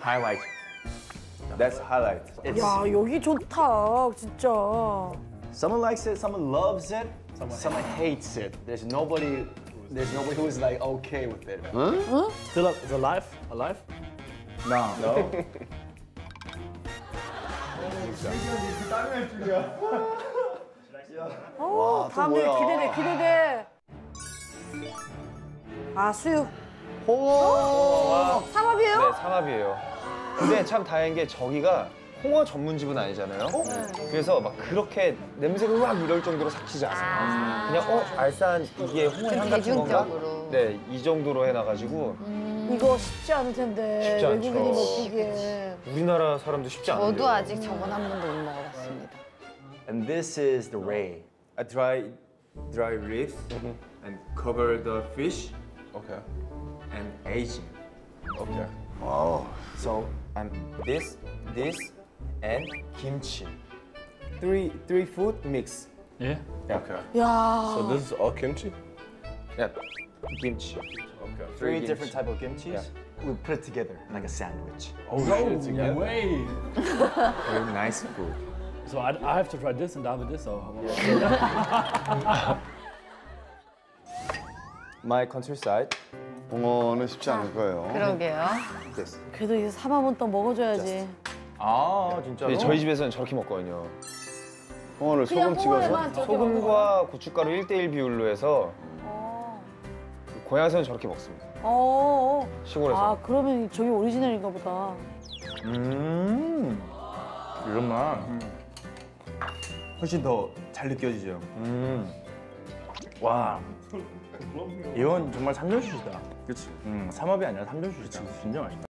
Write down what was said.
Highlight. That's highlight. It's, 야, 여기 좋다, 진짜. someone likes it, someone loves it, someone hates it. There's nobody who is like okay with it. Still alive? Alive? No. No. 오, 다음 일 기대돼. 아, 수육. 삼합이에요? 네, 삼합이에요. 근데 참 다행인 게 저기가 홍어 전문집은 아니잖아요. 그래서 막 그렇게 냄새가 으악 이럴 정도로 삭히지 않아요. 그냥 알싸한 이게 홍어의 향 같은 건가? 대중적으로. 네, 이 정도로 해놔가지고 이거 쉽지 않을 텐데. 쉽지 않죠. 외국인이 먹기에. 우리나라 사람도 쉽지 않은데요. 저도 아직 저건 한 번도 못 먹어봤습니다. And this is the ray. I dry ribs and cover the fish Okay. and aging. Okay. So And this, and kimchi. three food mix. Yeah. Okay. 야. So this is all kimchi? Yeah, kimchi. Okay. Three different type of kimchis. We put it together like a sandwich. Oh, no way! Very nice food. So I have to try this and down with this, or My countryside. 홍어는 쉽지 않을 거예요. 그러게요. This. 그래도 이제 삼합은 또 먹어줘야지. 아 진짜로? 저희 집에서는 저렇게 먹거든요. 홍어를 그냥 소금 찍어서. 홍어에만 저렇게 소금과 고춧가루 1대1 비율로 해서 어. 고향에서는 저렇게 먹습니다. 어. 시골에서. 아, 그러면 저기 오리지널인가 보다. 이런 맛. 훨씬 더 잘 느껴지죠. 와. 이건 정말 삼전수시다. 그렇지. 삼합이 아니라 삼전수시다. 진짜 맛있다.